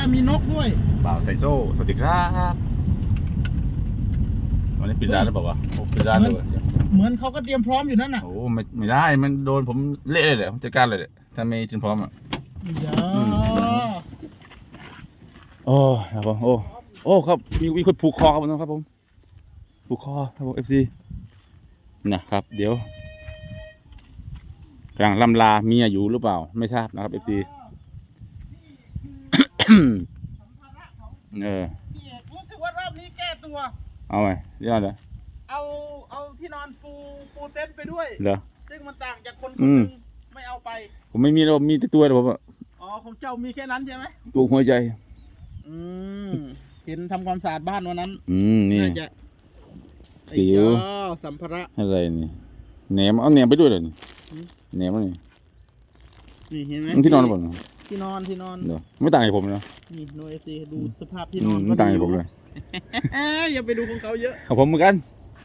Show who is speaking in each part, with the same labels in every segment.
Speaker 1: มีนกด้วย
Speaker 2: บ่าวไทโซ่สวัสดีครับวันนี้ปิดร้านแล้วเปล่าวะโอ้ปิดร้านเลย
Speaker 1: เหมือนเขาก็เตรียมพร้อมอยู่นั่นน่ะ
Speaker 2: โอ้ไม่ได้มันโดนผมเละเลยผมจัดการเลยถ้าไม่เตรียมพร้อมอ่ะโอ้ครับผมโอ้ครับมีคนผูกคอครับผมครับผมผูกคอครับผม FC นะครับเดี๋ยวกำลังล่ำลาเมียอยู่หรือเปล่าไม่ทราบนะครับ FC
Speaker 1: รู้สึกว่ารอบนี้แก้ตัว
Speaker 2: เอาไงเดี๋ยวเหรอ
Speaker 1: เอาที่นอนปูเต็นท์ไปด้วย
Speaker 2: เหรอ
Speaker 1: ซึ่งมันต่างจากคนนึงไม่เอาไป
Speaker 2: ผมไม่มีเรามีแต่ตัวแต่ผม
Speaker 1: อ๋อของเจ้ามีแค่นั้นใช่ไหม
Speaker 2: ตัวหัวใจ
Speaker 1: เห็นทำความสะอาดบ้านวันนั้น
Speaker 2: นี่
Speaker 1: น่าจะ
Speaker 2: สิว
Speaker 1: สัมภาระ
Speaker 2: อะไรนี่แหนมเอาแหนมไปด้วยเลยแหนมนี่
Speaker 1: เห็นไหม
Speaker 2: ที่นอนบ่
Speaker 1: ที่นอน
Speaker 2: เดี๋ยวไม่ต่างจากผมนะ
Speaker 1: นี่โนเอซีดูสภาพที่นอน
Speaker 2: ไม่ต่างจากผมเลย
Speaker 1: อย่าไปดูของเขาเยอะ
Speaker 2: ของผมเหมือนกัน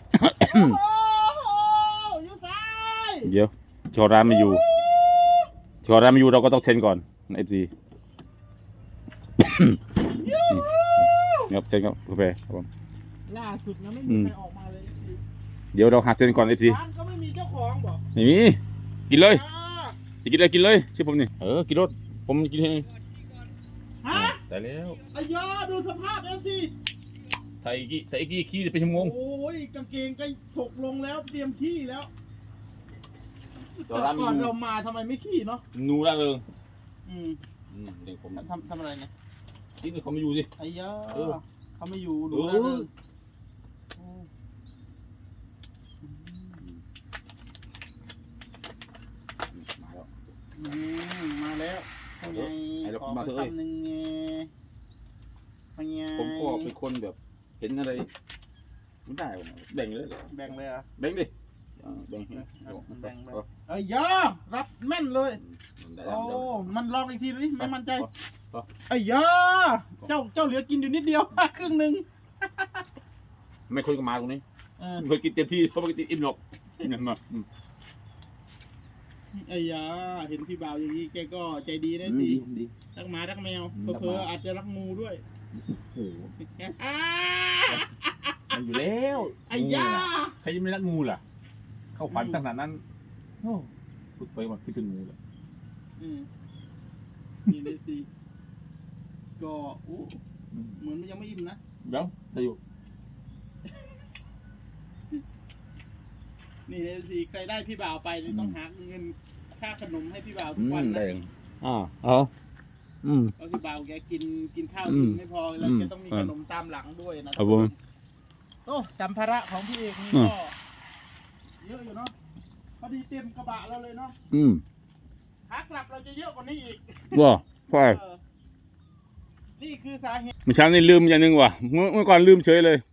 Speaker 1: อยู่ซ้าย
Speaker 2: เดี๋ยวชอร้านไม่อยู่เราก็ต้องเซ็นก่อนใน FC ครับเซ็นครับกาแฟครับผม
Speaker 1: ล่าสุดนะไม่มีใครออกมาเลย
Speaker 2: เดี๋ยวเราหาเซ็นก่อน FC
Speaker 1: ร้านก็ไม่มีเจ้าของบอก
Speaker 2: ไม่มีกินเลยจะกินอะไรกินเลยชื่อผมนี่กินรถผมกินเองแต่แล้ว
Speaker 1: อายาดูสภาพ FC
Speaker 2: ไทยกี้ขี้ไปชั่วโมง
Speaker 1: โอ้ยกางเกงก็ถกลงแล้วเตรียมขี้แล้วก่อนเรามาทำไมไม่ขี้เนาะ
Speaker 2: นูร่าเริง
Speaker 1: เด็กผมทำอะไรเนี่ย
Speaker 2: ที่นี่เขาไม่อยู่สิ
Speaker 1: อายาเขาไม่อยู่ดูร่าเริงมาแล้วขอคำหนึ่ง
Speaker 2: ผมก็เป็นคนแบบเห็นอะไรไม่ได้แบ่งเลย
Speaker 1: แบ่งเลยอ่ะ
Speaker 2: แบ่งดิแบ่ง
Speaker 1: รับแม่นเลยโอ้มันลองอีกทีดิไม่มั่นใจเจ้าเหลือกินอยู่นิดเดียวครึ่งหนึ่ง
Speaker 2: ไม่คุยกับมาตรงนี้เคยกินเต็มที่เพราะไม่กินอิ่มหรอกอย่างนั้น
Speaker 1: เห็นพี่บ่าวอย่างนี้แกก็ใจดีนะสิรักหมารักแมวเผลออาจจะรักงูด้วย
Speaker 2: โอ้โหมันอยู่แล้วใครจะไม่รักงูล่ะเข้าฝันขนาดนั้นพูดไปว่าคิดถึงงูเลย
Speaker 1: นี่เลยสิก็เหมือนมันยังไม่อิ่มนะ
Speaker 2: เดี๋ยวจะอยู่
Speaker 1: นี่เลยสิใครได้พี่บ่าวไปต้องหาเงินค่าขนมให้พี่บ่าวทุกวันนะเพราะพี่บ่าวแกกินข้าวกินไม่พอแล้วแกต้องมีขนมตามหลังด้วยนะครับผมสัมภาระของพี่เอกนี่ก็เยอะอยู่เนาะพอดีเต็มกระบะเราเลยเนาะขากลับเราจะเยอะกว่านี้อีก
Speaker 2: ว้าใช่
Speaker 1: นี่คือสาเหตุ
Speaker 2: เมื่อเช้านี่ลืมอย่างนึงว่ะเมื่อก่อนลืมเฉยเลย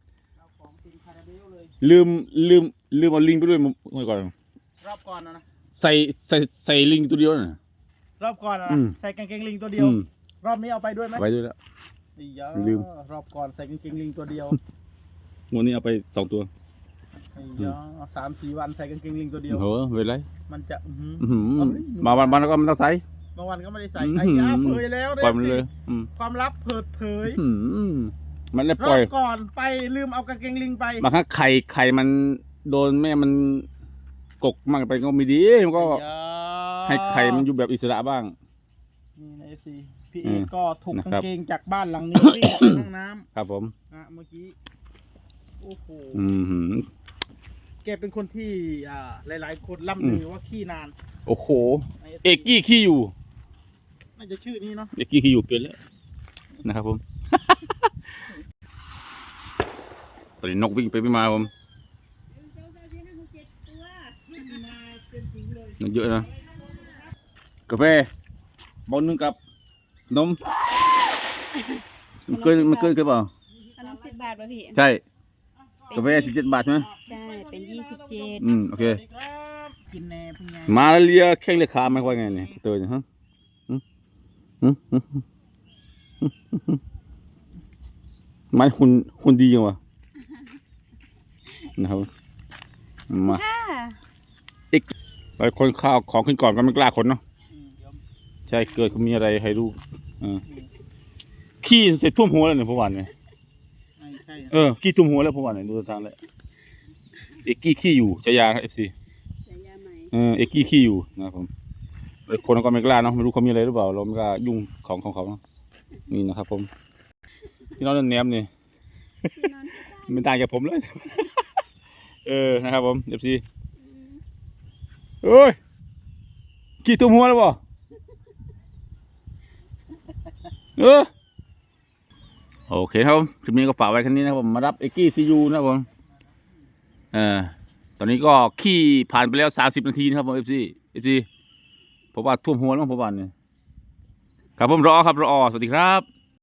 Speaker 2: ลืมเอาลิงไปด้วยเมื่อก่อน
Speaker 1: รอบก่อนนะ
Speaker 2: ใส่ลิงตัวเดียวนะ
Speaker 1: รอบก่อนนะใส่กางเกงลิงตัวเดียวรอบนี้เอาไปด้วยไหม
Speaker 2: ไปด้วยแล้ว
Speaker 1: ลืมรอบก่อนใส่กางเกงลิงตัวเดียว
Speaker 2: วันนี้เอาไป2 ตัว
Speaker 1: 3-4 วันใส่กางเกงลิงตัวเดียว
Speaker 2: เวลา
Speaker 1: มันจะ
Speaker 2: มาวันก็ไม่ต้องใส่
Speaker 1: บางวันก็ไม่ได้ใส่เผยแล้ว
Speaker 2: ปล่อยมันเลย
Speaker 1: ความลับเปิดเผย
Speaker 2: มันเลยปล่อย
Speaker 1: ก่อนไปลืมเอากางเกงลิงไป
Speaker 2: บางครั้งไข่มันโดนแม่มันกกมากไปก็ไม่ดีมันก็ให้ไข่มันอยู่แบบอิสระบ้าง
Speaker 1: นี่ในFCพี่เอกก็ถูกกางเกงจากบ้านหลังนี้วิ่งไปห้องน้ำ
Speaker 2: ครับผม
Speaker 1: เมื่อกี้โอ้โหแกเป็นคนที่หลายๆคนล่ำลือว่าขี้นาน
Speaker 2: โอ้โหเอกกี้ขี้อยู่
Speaker 1: น่าจะชื่อนี้เนาะ
Speaker 2: เอกกี้ขี้อยู่เป็นแล้วนะครับผมตอนนี้นกวิ่งไปไม่มาผมเยอะนะกาแฟบอลนึงกับนมมันเกินเปล่า
Speaker 3: ขนม10 บาทป่ะพี่
Speaker 2: ใช่กาแฟ17 บาทใช่ไหม
Speaker 3: ใช่เป็น27
Speaker 2: โอเค
Speaker 1: กินแน่พี่ไง
Speaker 2: มาเลียแข้งเลียขาไม่ค่อยไงเนี่ยเตยฮะมันหุ่นดีจังวะนะครับมาอีกไปคนข้าวของขึ้นก่อนก็ไม่กล้าคนเนาะใช่เกิดเขามีอะไรให้รู้ขี้เสร็จท่วมหัวแล้วเนี่ยผมว่าเนี่ย
Speaker 1: ใช่
Speaker 2: ขี้ท่วมหัวแล้วผมว่าเนี่ยดูทางแล้วเอกกี้ขี้อยู่ชายาครับ FC
Speaker 3: ฉายาใหม่
Speaker 2: เอกกี้ขี้อยู่นะครับผมคนก็ไม่กล้าเนาะไม่รู้เขามีอะไรหรือเปล่าเราไม่กล้ายุ่งของเขาเนาะนี่นะครับผมพี่น้องเล่นแหนมนี่
Speaker 3: ที่นอน
Speaker 2: ไม่ต่างจากผมเลย นะครับผม FC เอ้ยขี้ท่วมหัวแล้วบ่โอเคครับผมคลิปนี้ก็ฝากไว้แค่นี้นะครับผมมารับเอกกี้ซียูนะครับผมตอนนี้ก็ขี้ผ่านไปแล้ว30 นาทีนะครับผม FC ผมว่าท่วมหัวแล้วผมว่าเนี่ยครับผมรอครับรอสวัสดีครับ